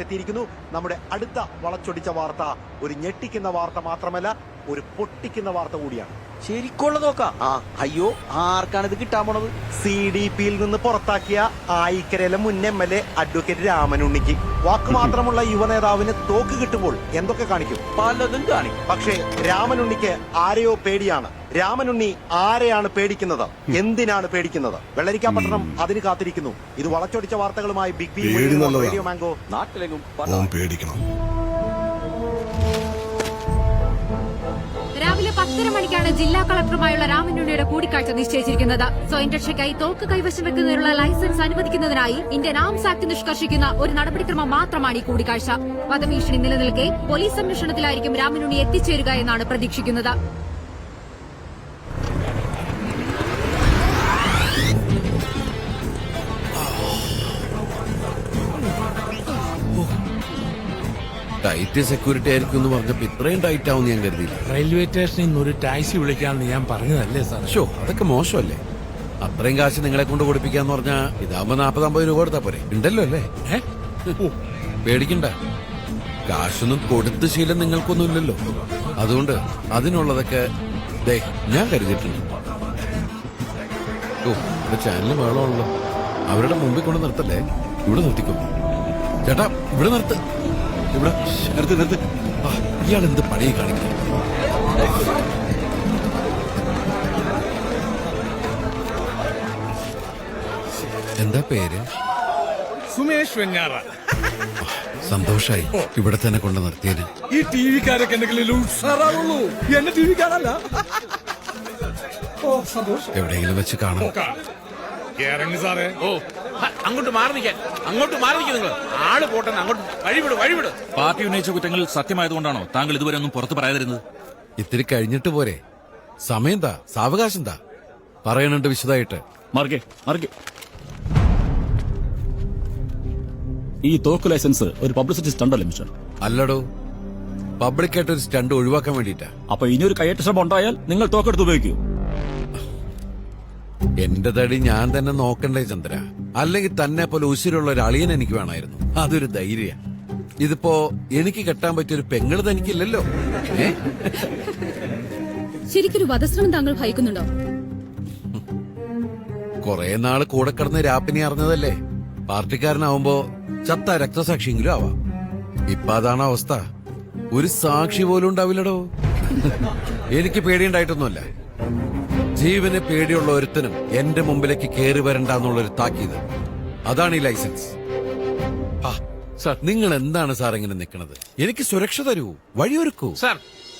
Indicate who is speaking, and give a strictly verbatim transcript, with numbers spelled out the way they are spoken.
Speaker 1: എത്തിയിരിക്കുന്നു. നമ്മുടെ അടുത്ത വളച്ചൊടിച്ച വാർത്ത ഒരു ഞെട്ടിക്കുന്ന വാർത്ത മാത്രമല്ല, ഒരു പൊട്ടിക്കുന്ന വാർത്ത കൂടിയാണ്.
Speaker 2: ശരിക്കുള്ള നോക്കാം. ആ അയ്യോ, ആർക്കാണ് ഇത് കിട്ടാൻ പോണത്?
Speaker 1: സി ഡി പിയിൽ നിന്ന് പുറത്താക്കിയ ആയിക്കരയിലെ മുൻ എം എൽ എ അഡ്വക്കേറ്റ് രാമനുണ്ണിക്ക് വാക്ക് മാത്രമുള്ള യുവനേതാവിന് തോക്ക് കിട്ടുമ്പോൾ എന്തൊക്കെ കാണിക്കും?
Speaker 2: പലതും കാണിക്കും.
Speaker 1: പക്ഷേ രാമനുണ്ണിക്ക് ആരെയോ പേടിയാണ്. രാമനുണ്ണി ആരെയാണ് പേടിക്കുന്നത്? എന്തിനാണ് പേടിക്കുന്നത്? വെള്ളരിക്കാപട്ടണം അതിന് കാത്തിരിക്കുന്നു. ഇത് വളച്ചൊടിച്ച വാർത്തകളുമായി ബിഗ് ബി റേഡിയോ മാംഗോ.
Speaker 2: നാട്ടിലെങ്ങും
Speaker 3: പേടിക്കണം.
Speaker 4: രാവിലെ പത്തര മണിക്കാണ് ജില്ലാ കളക്ടറുമായുള്ള രാമനുണ്ണിയുടെ കൂടിക്കാഴ്ച നിശ്ചയിച്ചിരിക്കുന്നത്. സ്വയം രക്ഷയ്ക്കായി തോക്ക് കൈവശം വെക്കുന്നതിനുള്ള ലൈസൻസ് അനുവദിക്കുന്നതിനായി ഇന്ത്യൻ ആംസ് ആക്ട് നിഷ്കർഷിക്കുന്ന ഒരു നടപടിക്രമം മാത്രമാണ് ഈ കൂടിക്കാഴ്ച. വധഭീഷണി നിലനിൽക്കെ പോലീസ് സംരക്ഷണത്തിലായിരിക്കും രാമനുണ്ണി എത്തിച്ചേരുക എന്നാണ് പ്രതീക്ഷിക്കുന്നത്.
Speaker 5: ടൈറ്റ് സെക്യൂരിറ്റി ആയിരിക്കും എന്ന് പറഞ്ഞപ്പോ ഇത്രയും ടൈറ്റ് ആവും ഞാൻ കരുതിയില്ല.
Speaker 6: റെയിൽവേ സ്റ്റേഷനിൽ നിന്ന് ഒരു ടാക്സി വിളിക്കാമെന്ന് ഞാൻ പറഞ്ഞതല്ലേ സാർ?
Speaker 5: ഷോ, അതൊക്കെ മോശമല്ലേ? അത്രയും കാശ് നിങ്ങളെ കൊണ്ട് കൊടുപ്പിക്കാന്ന് പറഞ്ഞാ ഇതാകുമ്പോ നാപ്പത് അമ്പത് രൂപ കൊടുത്താ പോരെ? ഉണ്ടല്ലോ അല്ലേ? പേടിക്കണ്ട, കാശൊന്നും കൊടുത്ത ശീലം നിങ്ങൾക്കൊന്നും ഇല്ലല്ലോ. അതുകൊണ്ട് അതിനുള്ളതൊക്കെ ദേ ഞാൻ കരുതിയിട്ടുണ്ട്. ഓ, ഇവിടെ ചാനല് വേണമല്ലോ. അവരുടെ മുമ്പിൽ കൊണ്ട് നിർത്തല്ലേ, ഇവിടെ നിർത്തിക്കോ. ചേട്ടാ, ഇവിടെ നിർത്ത്, ഇവിടെ നിർത്ത് നിർത്ത്. ഇയാൾ എന്ത് പഴയ കാണിക്കുന്നു? എന്താ പേര്?
Speaker 6: സുമേഷ് വെഞ്ഞാറ.
Speaker 5: സന്തോഷായി ഇവിടെ തന്നെ കൊണ്ട് നിർത്തിയതിന്.
Speaker 6: ഈ ടി വിക്കാരൊക്കെ എന്തെങ്കിലും ഉഷാറാവുള്ളൂ, എന്നെ ടി വിക്കാരല്ല. ഓ സന്തോഷം.
Speaker 5: എവിടെയെങ്കിലും വെച്ച് കാണാം.
Speaker 6: ഇറങ്ങി സാറേ.
Speaker 7: ഓ, അങ്ങോട്ട് മാറി നിൽക്കാൻ, അങ്ങോട്ട് മാറി നിൽക്കുക. നിങ്ങൾ ആള് പോട്ടെ, അങ്ങോട്ട് വഴിവിട് വഴിവിട്.
Speaker 8: പാർട്ടി ഉന്നയിച്ച കുറ്റങ്ങൾ സത്യമായതുകൊണ്ടാണോ താങ്കൾ ഇതുവരെ ഒന്നും പുറത്ത് പറയാതിരുന്നത്?
Speaker 5: ഇത്തിരി കഴിഞ്ഞിട്ട് പോരെ? സമയം താ, സാവകാശം താ, പറയണുണ്ട് വിശദമായിട്ട്.
Speaker 8: മാർഗെ മാർഗെ ഈ തോക്ക് ലൈസൻസ് ഒരു പബ്ലിസിറ്റി സ്റ്റണ്ടല്ലേ മിസ്റ്റർ?
Speaker 5: അല്ലടോ, പബ്ലിക്കായിട്ട് ഒരു സ്റ്റണ്ട് ഒഴിവാക്കാൻ വേണ്ടിട്ടാ.
Speaker 8: അപ്പൊ ഇനിയൊരു കയ്യേറ്റ ശ്രമം ഉണ്ടായാൽ നിങ്ങൾ തോക്കെടുത്ത് ഉപയോഗിക്കൂ.
Speaker 5: എന്റെ തടി ഞാൻ തന്നെ നോക്കണ്ടേ ചന്ദ്ര? അല്ലെങ്കിൽ തന്നെ പോലെ ഉശിരുള്ള ഒരു അളിയൻ എനിക്ക് വേണമായിരുന്നു. അതൊരു ധൈര്യ. ഇതിപ്പോ എനിക്ക് കെട്ടാൻ പറ്റിയൊരു പെങ്ങള് തനിക്കില്ലല്ലോ.
Speaker 4: ശരിക്കൊരു വധശ്രമം താങ്കൾ ഭയക്കുന്നുണ്ടോ?
Speaker 5: കൊറേ നാള് കൂടെ കിടന്ന് രാപ്പിനി അറിഞ്ഞതല്ലേ. പാർട്ടിക്കാരനാവുമ്പോ ചത്ത രക്തസാക്ഷിയെങ്കിലും ആവാം. ഇപ്പൊ അതാണ് അവസ്ഥ. ഒരു സാക്ഷി പോലും ഉണ്ടാവില്ലടോ. എനിക്ക് പേടിയുണ്ടായിട്ടൊന്നുമല്ല. ജീവന് പേടിയുള്ള ഒരുത്തനും എന്റെ മുമ്പിലേക്ക് കയറി വരണ്ടെന്നുള്ളൊരു താക്കീത്. അതാണ് ഈ ലൈസൻസ്. നിങ്ങൾ എന്താണ് സാർ ഇങ്ങനെ നിൽക്കുന്നത്? എനിക്ക് സുരക്ഷ തരൂ, വഴിയൊരുക്കൂ.
Speaker 7: സാർ,